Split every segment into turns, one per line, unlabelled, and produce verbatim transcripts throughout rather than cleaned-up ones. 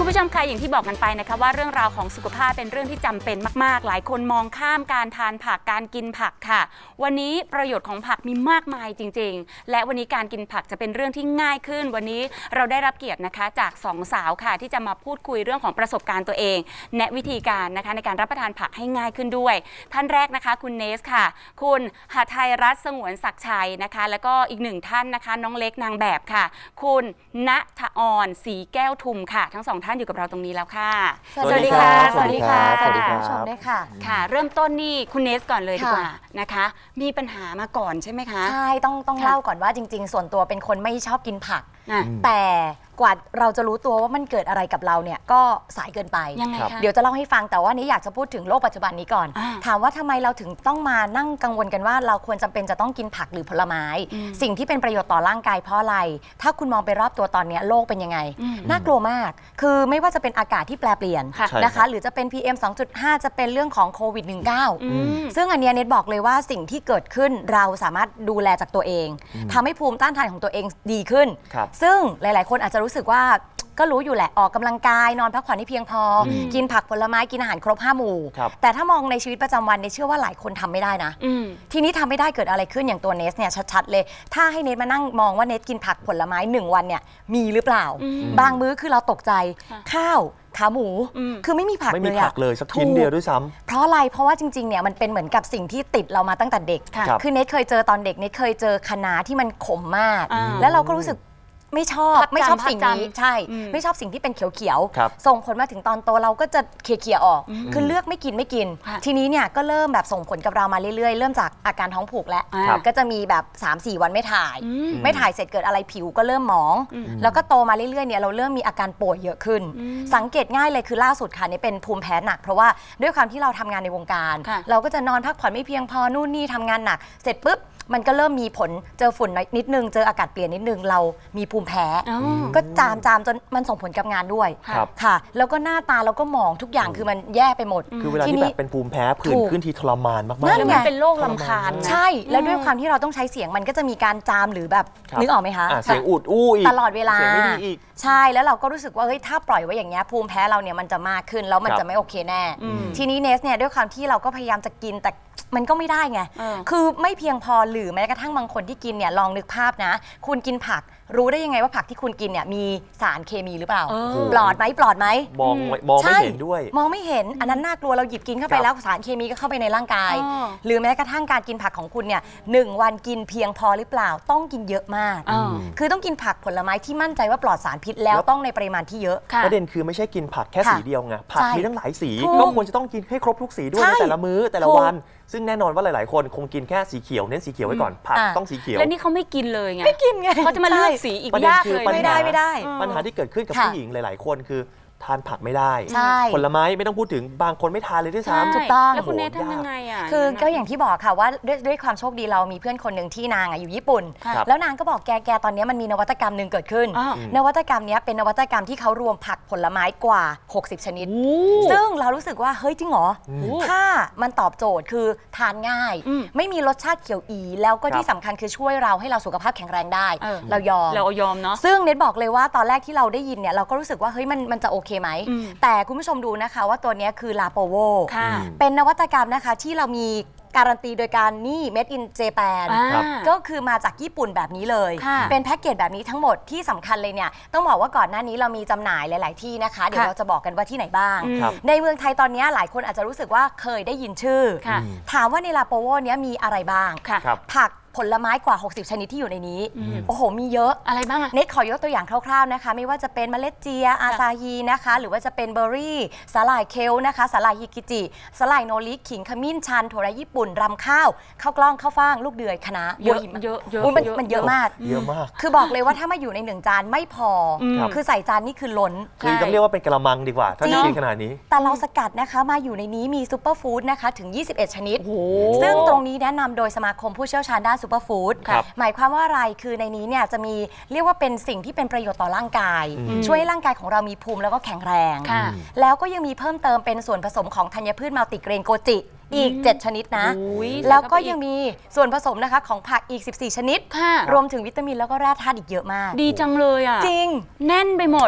คุณผู้ชมคะอย่างที่บอกกันไปนะคะว่าเรื่องราวของสุขภาพเป็นเรื่องที่จำเป็นมากๆหลายคนมองข้ามการทานผักการกินผักค่ะวันนี้ประโยชน์ของผักมีมากมายจริงๆและวันนี้การกินผักจะเป็นเรื่องที่ง่ายขึ้นวันนี้เราได้รับเกียรตินะคะจากสองสาวค่ะที่จะมาพูดคุยเรื่องของประสบการณ์ตัวเองแนะวิธีการนะคะในการรับประทานผักให้ง่ายขึ้นด้วยท่านแรกนะคะคุณเนสค่ะคุณหทัยรัตน์สงวนศักดิ์ชัยนะคะแล้วก็อีกหนึ่งท่านนะคะน้องเล็กนางแบบค่ะคุณณฐอรศรีแก้วทุมค่ะทั้งสองท่านอยู่กับเราตรงนี้แล้วค่ะ
สวัสดีค่ะ
สวัสดีค่ะ
สวัสดีคุณผู้ชมด้วยค่ะ
ค่ะเริ่มต้นนี่คุณเนสก่อนเลยดีกว่านะคะมีปัญหามาก่อนใช่ไหมคะ
ใช่ต้องต้องเล่าก่อนว่าจริงๆส่วนตัวเป็นคนไม่ชอบกินผัก
แต่
กว่าเราจะรู้ตัวว่ามันเกิดอะไรกับเราเนี่ยก็สายเกินไป
ยังไงคะ
เดี๋ยวจะเล่าให้ฟังแต่ว่านี้อยากจะพูดถึงโลกปัจจุบันนี้ก่อนถามว่าทำไมเราถึงต้องมานั่งกังวลกันว่าเราควรจำเป็นจะต้องกินผักหรือผลไม้สิ่งที่เป็นประโยชน์ต่อร่างกายเพราะอะไรถ้าคุณมองไปรอบตัวตอนนี้โลกเป็นยังไงน่ากลัวมากคือไม่ว่าจะเป็นอากาศที่แปรเปลี่ยนนะคะหรือจะเป็น พี เอ็ม สองจุดห้า จะเป็นเรื่องของโควิด สิบเก้า ซึ่งอันนี้เน็ตบอกเลยว่าสิ่งที่เกิดขึ้นเราสามารถดูแลจากตัวเองทำให้ภูมิต้านทานของตัวเองดีขึ้นซึ่งหลายๆคนอาจจะรู้สึกว่าก็รู้อยู่แหละออกกำลังกายนอนพักผ่อนให้เพียงพอกินผักผลไม้กินอาหารครบห้าหมู่แต่ถ้ามองในชีวิตประจำวันเนี่ยเชื่อว่าหลายคนทำไม่ได้นะทีนี้ทำไม่ได้เกิดอะไรขึ้นอย่างตัวเนสเนี่ยชัดๆเลยถ้าให้เนสมานั่งมองว่าเนสกินผักผลไม้หนึ่งวันเนี่ยมีหรือเปล่าบางมื้อคือเราตกใจข้าวขาหมูคือไม่มีผักเลย
ไม่มีผักเลยสักชิ้นเดียวด้วยซ้ำ
เพราะอะไรเพราะว่าจริงๆเนี่ยมันเป็นเหมือนกับสิ่งที่ติดเรามาตั้งแต่เด็กคือเนสเคยเจอตอนเด็กเนสเคยเจอคะน้าที่มันขมมากแล้วเราก็รู้สึกไม่ชอบไม่ชอบสิ่งนี้ใช่ไม่ชอบสิ่งที่เป็นเขียวๆส่งผลมาถึงตอนโตเราก็จะเขี่ยๆออกคือเลือกไม่กินไม่กินทีนี้เนี่ยก็เริ่มแบบส่งผลกับเรามาเรื่อยๆเริ่มจากอาการท้องผูกแล้วก็จะมีแบบ สามสี่ วันไม่ถ่ายไม่ถ่ายเสร็จเกิดอะไรผิวก็เริ่มหมองแล้วก็โตมาเรื่อยๆเนี่ยเราเริ่มมีอาการป่วยเยอะขึ้นสังเกตง่ายเลยคือล่าสุดค่ะนี่เป็นภูมิแพ้หนักเพราะว่าด้วยความที่เราทำงานในวงการเราก็จะนอนพักผ่อนไม่เพียงพอนู่นนี่ทำงานหนักเสร็จปุ๊บมันก็เริ่มมีผลเจอฝุ่นนิดนึงเจออากาศเปลี่ยนนิดนึงเรามีภูมิแพ้ก็จามจามจนมันส่งผลกับงานด้วยค่ะแล้วก็หน้าตาเราก็หมองทุกอย่างคือมันแย่ไปหมด
คือเวลาที่แบบเป็นภูมิแพ้ผื่นขึ้นทีทรมานมากๆ
นั่นไงเป็นโรคลำคาญ
ใช่แล้วด้วยความที่เราต้องใช้เสียงมันก็จะมีการจามหรือแบบนึกออกไหมคะ
เสียงอุดอู้อีก
ตลอดเวลา
เสียงไม่ดีอีก
ใช่แล้วเราก็รู้สึกว่าเฮ้ยถ้าปล่อยไว้อย่างเงี้ยภูมิแพ้เราเนี่ยมันจะมากขึ้นแล้วมันจะไม่โอเคแน่ทีนี้เนสเนี่ยด้วยความที่เราก็พยายามจะกินแต่มันก็ไม่ได้ไงคือไม่เพียงพอหรือแม้กระทั่งบางคนที่กินเนี่ยลองนึกภาพนะคุณกินผักรู้ได้ยังไงว่าผักที่คุณกินเนี่ยมีสารเคมีหรือเปล่าปลอดไหมปลอดไหม
มองมองไม่เห็นด้วย
มองไม่เห็นอันนั้นน่ากลัวเราหยิบกินเข้าไปแล้วสารเคมีก็เข้าไปในร่างกายหรือแม้กระทั่งการกินผักของคุณเนี่ยหนึ่งวันกินเพียงพอหรือเปล่าต้องกินเยอะมากคือต้องกินผักผลไม้ที่มั่นใจว่าปลอดสารพิษแล้วต้องในปริมาณที่เยอะ
ประเด็นคือไม่ใช่กินผักแค่สีเดียวไงผักมีทั้งหลายสีก็ควรจะต้องกินให้ครบทุกสีด้วยในแต่ละมื้อแต่ละวันซึ่งแน่นอนว่าหลายๆคนคงกินแค่สีเขียวเน้นสีเขียวไว้ก่อนผักต้องสีเขียว
แล้วนี่เขาไม่กินเลยไง
ไม่กินไง
เขาจะมาเลือกสีอีกยากเลย
ไม่ได้ไม่ได้
ปัญหาที่เกิดขึ้นกับผู้หญิงหลายๆคนคือทานผักไม่ได้ผลไม้ไม่ต้องพูดถึงบางคนไม่ทานเลยด้วยซ้ำ
ถูกต้อง
แล้วคุณเนททำยังไงอ่ะ
คือก็อย่างที่บอกค่ะว่าด้วยด้วยความโชคดีเรามีเพื่อนคนหนึ่งที่นางอยู่ญี่ปุ่นแล้วนางก็บอกแกแกตอนนี้มันมีนวัตกรรมหนึ่งเกิดขึ้นนวัตกรรมนี้เป็นนวัตกรรมที่เขารวมผักผลไม้กว่าหกสิบชนิดซึ่งเรารู้สึกว่าเฮ้ยจริงเหรอถ้ามันตอบโจทย์คือทานง่ายไม่มีรสชาติเขียวอีแล้วก็ที่สำคัญคือช่วยเราให้เราสุขภาพแข็งแรงได้เรายอม
เรายอมเนาะ
ซึ่งเน็ตบอกเลยว่าตอนแรกที่เราได้ยินเนี่ยเราก็รู้สึกว่าเฮ้ยมันมันจะโอเคไหมแต่คุณผู้ชมดูนะคะว่าตัวนี้คือลาโปโวเป็นนวัตกรรมนะคะที่เรามีการันตีโดยการนี่ Made in Japan ก็คือมาจากญี่ปุ่นแบบนี้เลยเป็นแพ็กเกจแบบนี้ทั้งหมดที่สำคัญเลยเนี่ยต้องบอกว่าก่อนหน้านี้เรามีจำหน่ายหลายๆที่นะคะเดี๋ยวเราจะบอกกันว่าที่ไหนบ้างในเมืองไทยตอนนี้หลายคนอาจจะรู้สึกว่าเคยได้ยินชื่อถามว่าในลาโปโวเนี้ยมีอะไรบ้างผักผลไม้กว่าหกสิบชนิดที่อยู่ในนี้โอ้โหมีเยอะ
อะไรบ้าง
เน็ตขอยกตัวอย่างคร่าวๆนะคะไม่ว่าจะเป็นเมล็ดเจียอาซาฮีนะคะหรือว่าจะเป็นเบอร์รี่สาหร่ายเคลนะคะสาหร่ายฮิกิจิสาหร่ายโนริขิงขมิ้นชันถั่วแระญี่ปุ่นรำข้าวข้าวกล้องข้าวฟ่างลูกเดือยคะน้า
เยอะเยอะเยอะ
มันเยอะมาก
เยอะมาก
คือบอกเลยว่าถ้ามาอยู่ในหนึ่งจานไม่พอคือใส่จานนี่คือล้น
คือต้องเรียกว่าเป็นกระมังดีกว่าถ้ากินขนาดนี้
แต่เราสกัดนะคะมาอยู่ในนี้มีซูเปอร์ฟู้ดนะคะถึงยี่สิบเอ็ดชนิดซึ่งตรงนี้แนะนำโดยสมาคมผู้เชี่ยวชาญด้านซูเปอร์ฟู้ดหมายความว่าอะไรคือในนี้เนี่ยจะมีเรียกว่าเป็นสิ่งที่เป็นประโยชน์ต่อร่างกายช่วยให้ร่างกายของเรามีภูมิแล้วก็แข็งแรงแล้วก็ยังมีเพิ่มเติมเป็นส่วนผสมของธัญพืชมัลติเกรนโกจิอีกเจ็ดชนิดนะแล้วก็ยังมีส่วนผสมนะคะของผักอีกสิบสี่ชนิดรวมถึงวิตามินแล้วก็แร่ธาตุอีกเยอะมาก
ดีจังเลยอ่ะ
จริง
แน่นไปหมด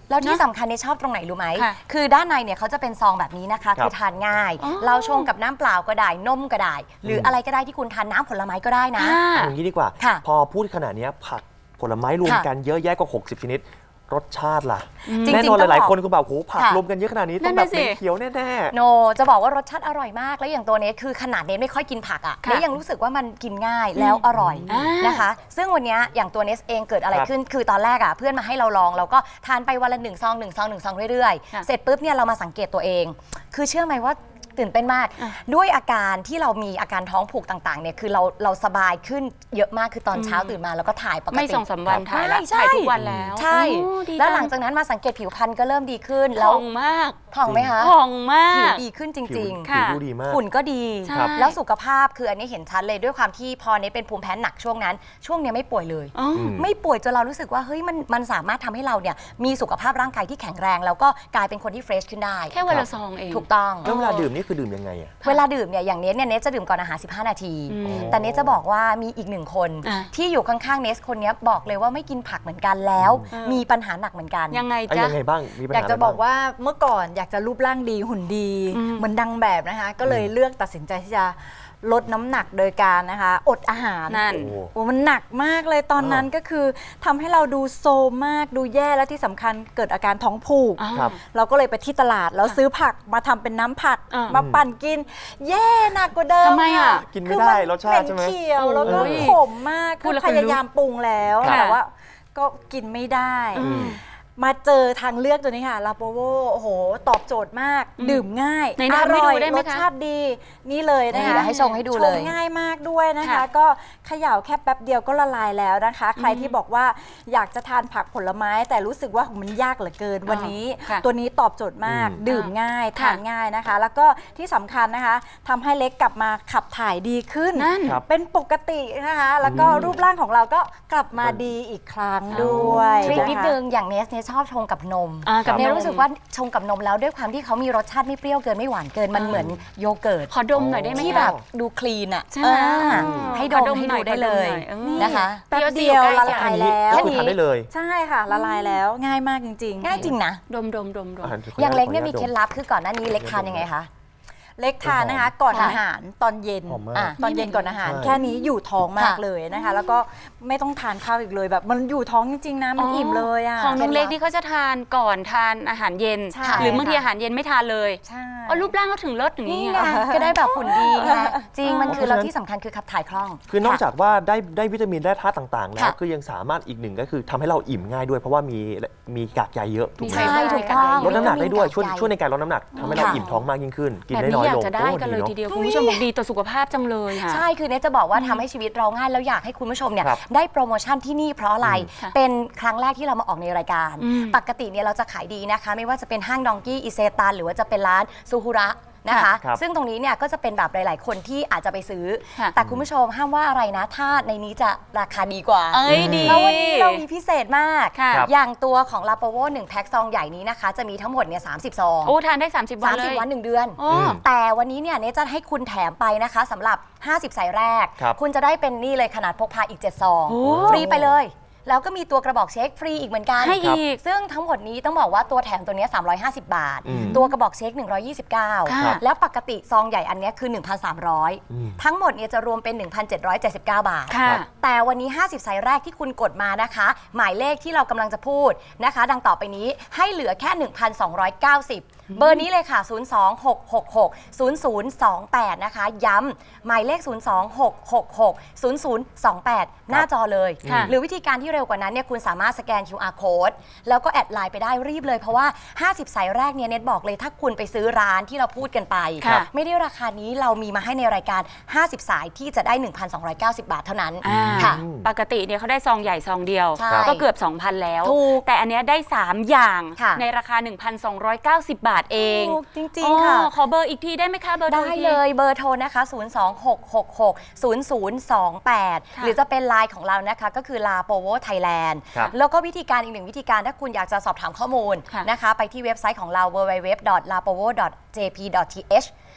แล้วที่สำคัญเนี่ยชอบตรงไหนรู้ไหม
ค่ะ
คือด้านในเนี่ยเขาจะเป็นซองแบบนี้นะคะ
ครับ
คือทานง่าย
อ๋อ
เราชงกับน้ำเปล่าก็ได้นมก็ได้ หรืออะไรก็ได้ที่คุณทานน้ำผลไม้ก็ได้นะ
อ่า
เอาอย่างนี้ดีกว่า
ค่ะ
พอพูดขนาดเนี้ยผักผลไม้รวม
ค่ะ
กันเยอะแยะกว่าหกสิบชนิด รสชาติล่ะ
จริงๆ
แน่นอน
ต้อง
หลาย
บอก
ๆคนคุณแบบโหผัก
ค่ะ
รวมกันเยอะขนาดนี้
นั่
ต้อง
น
แบ
น่ะ
บ
สิ
เป็นเขียวแน่
โนจะบอกว่ารสชาติอร่อยมาก แล้วอย่างตัวเนสคือขนาดเนสไม่ค่อยกินผักอ่ะ
ค่ะ
เนสยังรู้สึกว่ามันกินง่ายแล้วอร่อย
อ่าน
นะคะ ซึ่งวันเนี้ยอย่างตัวเนสเองเกิดอะไร
ครับ
ขึ้น คือตอนแรกอ่ะเพื่อนมาให้เราลองเราก็ทานไปวันละหนึ่งซองหนึ่งซองหนึ่งซองเรื่อย
ค่ะ
ๆ เสร็จปุ๊บเนี่ยเรามาสังเกตตัวเอง คือเชื่อไหมว่าตื่นเต้นมาก
อ่ะ
ด้วยอาการที่เรามีอาการท้องผูกต่างๆเนี่ยคือเราเราสบายขึ้นเยอะมากคือตอนเช้าตื่นมาแล้วก็ถ่ายปกติ
ไม่สองสามวันถ่ายแล้ว
ใช่
ถ่ายทุกวันแล้ว
ใช่
โอ้ดี
แล้วห
จั
ลังจากนั้นมาสังเกตผิวพรรณก็เริ่มดีขึ้น
ผ่
แล้ว
องมาก
ผ่องไหมคะ
ผ่องมา
ผิว
ก
ดีขึ้นจ
ๆผิว
ริง
ผิว
ค่ะ
ดูดีมาก
ๆ หุ่นก็ดี
ใช่
แล้วสุขภาพคืออันนี้เห็นชัดเลยด้วยความที่พอเนี้เป็นภูมิแพ้หนักช่วงนั้น ช่วงเนี้ยไม่ป่วยเลย
อ๋อ
ม
ไม่ป่วยจนเรารู้สึกว่าเฮ้ยมันมันสามารถทำให้เราเนี่ยมีสุขภาพร่างกายที่แข็งแรง แล้วก็กลายเป็นคนที่เฟรชขึ้นได้
แค่วันละซองเอง
ถูกต้อง
แล้วเวลาดื่มนี่คือดื่มยังไงอ่ะ
เวลาดื่มเนี่ยอย่างเนสเนี่ยเนสจะดื่มก่อนอาหารสิบห้านาที
อืม
แต่เนสจะบอกว่ามีอีกหนึ่งคน
อ่ะ
ที่อยู่ข้างๆเนสคนเนี้ยบอกเลยว่าไม่กินผักเหมือนกันแล้ว
อืม
มีปัญหาหนักเหมือนกัน
ยังไง
ไอ้
จ๊ะ
ยังไงบ้างมีปัญ
อยาก
หาอะไร
จะบอก
บ้าง
ว่าเมื่อก่อนอยากจะรูปร่างดีหุ่นดี
อืม
เหมือนดังแบบนะคะ ก็เลยเลือกตัดสินใจที่จะลดน้ำหนักโดยการนะคะ อดอาหาร
นั่น
โอ้
โอ้มันหนักมากเลยตอนนั้น
อ่า
ก็คือทำให้เราดูโซมมากดูแย่และที่สำคัญเกิดอาการท้องผูก
อ๋อ
ครับ
เราก็เลยไปที่ตลาดแล้วซื้อผักมาทำเป็นน้ำผัก
อ่าม
มาปั่นกิน แย่หนักกว่าเดิม
ทำไมอ่ะ
ค่
กินไม่ได้รสชาติใช่ไหม
เป็นเขียวแล้วก็
โอ้ย
ขมมาก
พู
ก็
ดแล้ว
พ
ขนลุก
ยายามปรุงแล้ว
ค่ะ
แต่ว่าก็กินไม่ได้
อืม
มาเจอทางเลือกตัวนี้ค่ะลาโปโวโอ้โห ตอบโจทย์มาก
อืม
ดื่มง่าย
ไหน
อ
ทำให้
ร่
ดู
อย
ได้ไหม
ร
คะ
สชาติดี นี่เลยนะ
นี่
คะ
เดี๋ยวให้ชงให้ดูเลย
ชงง่ายมากด้วยนะคะ
ค่ะ
ก็เขย่าแค่แป๊บเดียวก็ละลายแล้วนะคะ ใคร
อืม
ที่บอกว่าอยากจะทานผักผลไม้ แต่รู้สึกว่ามันยากเหลือเกิน วันนี้
ค่ะ
ตัวนี้ตอบโจทย์มาก
อืม
ดื่มง่าย
ค่ะ
ทานง่ายนะคะ แล้วก็ที่สำคัญนะคะทำให้เล็กกลับมาขับถ่ายดีขึ้น
นั่น
ครับ
เป็นปกตินะคะ แล้วก็
อืม
รูปร่างของเราก็กลับมาดีอีกครั้งด้วย
ทริคนิด
ะคะ
นึงอย่างเนสเนี่ยชอบชงกับนม
อ่ากับ
เนส
นม
รู้สึกว่าชงกับนมแล้วด้วยความที่เขามีรสชาติไม่เปรี้ยวเกินไม่หวานเกินมันเหมือนโยเกิร์ต
ขอดมหน่อยได้ไหม
ที่
คะ
แบบดูคลีนอ่ะ
ใช่ไหม
อ่า
อืม
ให้ด
ขอ
ม
ดม
ให้
หน่
ดู
อย
ได้
ขอดม
เลย
หน่อยเออ
นะคะ
แป๊บเดียวละลาย
อันนี้
แล้ว
ก็คือทานได้เลย
ใช่ค่ะ ละลายแล้วง่ายมากจริงๆ
ง่ายจริงนะ
ดมดมดมดม
อ่ะข
อย่างเล็กเนี่ย
ข
มี
อ
เค
อ
ล็
ญา
ด
ต
ลับคือก่อนหน้านี้เล็กทานยังไงคะ
เล็กทานนะคะ ก่อน
ค่ะ
อาหารตอนเย็น
หอมมาก
อ่ะตอนเย็นก่อนอาหาร
ใช่
แค่นี้อยู่ท้องมาก
ค่ะ
เลยนะคะ แล้วก็ไม่ต้องทานข้าวอีกเลยแบบมันอยู่ท้องจริงๆนะมันอิ่มเลยอ่ะ
ของน้องเล็กนี่เขาจะทานก่อนทานอาหารเย็น
ใช่
หรือบางที
ค่ะ
อาหารเย็นไม่ทานเลย
ใช่
อ๋อรูปร่างเขาถึงเลิศอย่างนี้
นี่
ไง
ไงก็ได้แบบหุ่นดีไงจริงมัน
อ๋อ
คือ
เพราะฉะนั้น
เราที่สำคัญคือขับถ่ายคล่อง
คือนอกจากว่าได้ได้วิตามินได้ธาตุต่างๆ แล้ว
ค่ะ
ก็ยังสามารถอีกหนึ่งก็คือทำให้เราอิ่มง่ายด้วย เพราะว่ามีมีกากใยเยอะถูกไหม
ใช่
ใช่ถูกต้อง
ลดน้ำหนักได้ด้วยช่วย
วิตามิน
ช่วยในการลดน้ำหนักทำให้เรา
ค่ะ
อิ่มท้องมากยิ่งขึ้น กิน
แบบ
ได้
นี้
น้อย
อยา
ล
ก
ง
จะได้
โอ้
กันเลย
อะ
ทีเดียวคุณผู้ชมบอกดีต่อสุขภาพจังเลยค่ะ
ใช่ คือเนทจะบอกว่าทำให้ชีวิตเราง่าย แล้วอยากให้คุณผู้ชมเนี่ย
ครับ
ได้โปรโมชั่นที่นี่เพราะอะไร
ค่ะ
เป็นครั้งแรกที่เรามาออกในรายการ
อืม
ปกติเนี่ยเราจะขายดีนะคะ ไม่ว่าจะเป็นห้างดองกี้อิเซตันหรือว่าจะเป็นร้านซูฮุระนะคะ
ครับ
ซึ่งตรงนี้เนี่ยก็จะเป็นแบบหลาย ๆ คนที่อาจจะไปซื้อ
ค่ะ
แต่คุณผู้ชมห้ามว่าอะไรนะ ถ้าในนี้จะราคาดีกว่า
เอ้ยดี
แล้ววันนี้เรามีพิเศษมาก
ค่ะ
ครับ
อย่างตัวของลาโปโวหนึ่งแพ็คซองใหญ่นี้นะคะ จะมีทั้งหมดเนี่ยสามสิบซอง
โอ้ทานได้ 30 วัน
สาม
เล
สิบ
ย
วันหนึ่งเดือน
โอ้
อืม
แต่วันนี้เนี่ยเนทจะให้คุณแถมไปนะคะสำหรับ ห้าสิบ สายแรก
ครับ
คุณจะได้เป็นนี่เลยขนาดพกพาอีก เจ็ด ซอง
โอ้
ฟรีไปเลย แล้วก็มีตัวกระบอกเช็คฟรีอีกเหมือนกัน
ให้อีก
ซึ่งทั้งหมดนี้ต้องบอกว่าตัวแถมตัวเนี้ยสามร้อยห้าสิบ บาท
อืม
ตัวกระบอกเช็คหนึ่งร้อยยี่สิบเก้า
ค่ะ
แล้วปกติซองใหญ่อันเนี้ยคือ หนึ่งพันสามร้อย
อืม
ทั้งหมดเนี่ยจะรวมเป็น หนึ่งพันเจ็ดร้อยเจ็ดสิบเก้า บาท
ค่ะ
แต่วันนี้ ห้าสิบ สายแรกที่คุณกดมานะคะ หมายเลขที่เรากำลังจะพูดนะคะ ดังต่อไปนี้ให้เหลือแค่ หนึ่งพันสองร้อยเก้าสิบ เบอร์นี้เลยค่ะ ศูนย์ สอง หก หก หก ศูนย์ ศูนย์ สอง แปด นะคะ ย้ำหมายเลข ศูนย์ สอง หก หก หก ศูนย์ ศูนย์ สอง แปด หน้าจอเลย
ค่ะ
หรือวิธีการที่เร็วกว่านั้นเนี่ยคุณสามารถสแกน คิว อาร์ code แล้วก็แอดไลน์ไปได้รีบเลย เพราะว่า ห้าสิบ สายแรกเนี่ยเน็ตบอกเลยถ้าคุณไปซื้อร้านที่เราพูดกันไป
ค่ะ
ไม่ได้ราคานี้เรามีมาให้ในรายการ ห้าสิบ สายที่จะได้ หนึ่งพันสองร้อยเก้าสิบ บาทเท่านั้น
อ่า
ค่ะ
ปกติเนี่ยเขาได้ซองใหญ่ซองเดียว
ใช่
ก็เกือบ สองพัน แล้ว
ถูก
แต่อันเนี้ยได้ สาม อย่าง
ค่ะ
ในราคา หนึ่งพันสองร้อยเก้าสิบ บาทเอง
ถูกจริงๆค่ะ
อ๋อขอเบอร์อีกทีได้ไหมคะเบอร์โทร
ได้
อีกที
เลยเบอร์โทรนะคะ ศูนย์ สอง หก หก หก ศูนย์ ศูนย์ สอง แปด
ค่ะ
หรือจะเป็นไลน์ของเรานะคะก็คือลาโปโวไทยแลนด์
ครับ
แล้วก็วิธีการอีกหนึ่งวิธีการถ้าคุณอยากจะสอบถามข้อมูล
ค่ะ
นะคะ ไปที่เว็บไซต์ของเรา ดับเบิลยู ดับเบิลยู ดับเบิลยู ดอท ลาโปโว ดอท เจ พี ดอท ที เอช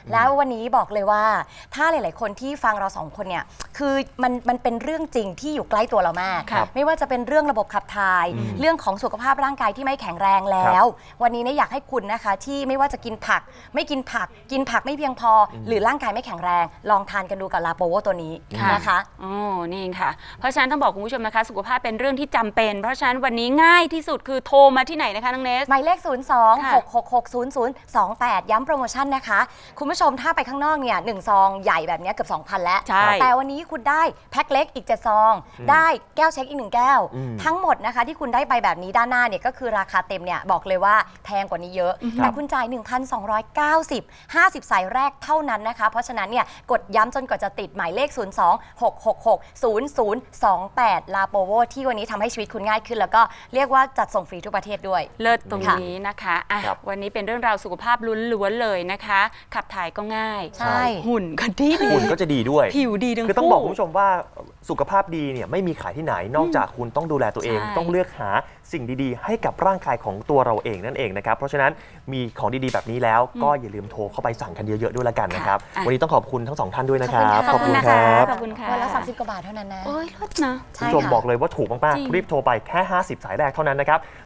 แล้ววันนี้บอกเลยว่าถ้าหลาย ๆ คนที่ฟังเราสองคนเนี่ยคือมันมันเป็นเรื่องจริงที่อยู่ใกล้ตัวเรามาก
ครับ
ไม่ว่าจะเป็นเรื่องระบบขับถ่าย
อืม
เรื่องของสุขภาพร่างกายที่ไม่แข็งแรงแล้ว วันนี้เนี่ยอยากให้คุณนะคะที่ไม่ว่าจะกินผักไม่กินผัก กินผักไม่เพียงพออหรือร่างกายไม่แข็งแรง ลองทานกันดูกับลาโปโวตัวนี้
ค่ะ
นะคะ
โอ้นี่ค่ะ เพราะฉะนั้นต้องบอกคุณผู้ชมนะคะ สุขภาพเป็นเรื่องที่จำเป็น เพราะฉะนั้นวันนี้ง่ายที่สุดคือโทรมาที่ไหนนะคะน้องเนส
หมายเลข ศูนย์ สอง
ค่ะ
หก หก หก ศูนย์ ศูนย์ สอง แปด ย้ำโปรโมชั่นนะคะ คุณผู้ชมถ้าไปข้างนอกเนี่ยหนึ่งซองใหญ่แบบเนี้ยเกือบ สองพัน แล้ว
ใช่
แต่วันนี้คุณได้แพ็คเล็กอีกเจ็ดซอง ได้แก้วเช็คอีกหนึ่งแก้ว
อืม
ทั้งหมดนะคะที่คุณได้ไปแบบนี้ด้านหน้าเนี่ยก็คือราคาเต็มเนี่ยบอกเลยว่าแพงกว่านี้เยอะ แต่คุณจ่าย หนึ่งพันสองร้อยเก้าสิบ ห้าสิบ สายแรกเท่านั้นนะคะ เพราะฉะนั้นเนี่ยกดย้ำจนกว่าจะติดหมายเลข ศูนย์ สอง หก หก หก ศูนย์ ศูนย์ สอง แปด ลาโปโวที่วันนี้ทำให้ชีวิตคุณง่ายขึ้น แล้วก็เรียกว่าจัดส่งฟรีทุกประเทศด้วย
เลิศตรง
ค่ะ
นี้นะคะอ่ะ
ครับ
วันนี้เป็นเรื่องราวสุขภาพล้วนๆเลยนะคะ ขับถ่ายก็ง่าย
ใช่
หุ่นก็ดี
หุ่นก็จะดีด้วย
ผิวดีทั้งคู่
คือต้องบอกคุณผู้ชมว่าสุขภาพดีเนี่ยไม่มีขายที่ไหนนอกจากคุณต้องดูแลตัวเอง
ใช่
ต้องเลือกหาสิ่งดีๆ ให้กับร่างกายของตัวเราเองนั่นเองนะครับเพราะฉะนั้นมีของดีๆแบบนี้แล้วก็อย่าลืมโทรเข้าไปสั่งกันเยอะๆด้วยละกันนะครับ
ค่ะ
วันนี้ต้องขอบคุณทั้งสองท่านด้วยนะครับ
ขอบคุณ
นะ
ครั
คะ
บ
ขอบคุณค่ะ
วันละสามสิบกว่าบาทเท่านั้นนะ
โอ้ยเลิศนะ
คุณผู้ชมบอกเลยว่าถูกมาก
จริง
ๆรีบโทรไปแค่ห้าสิบสายแรกเท่านั้นนะครับ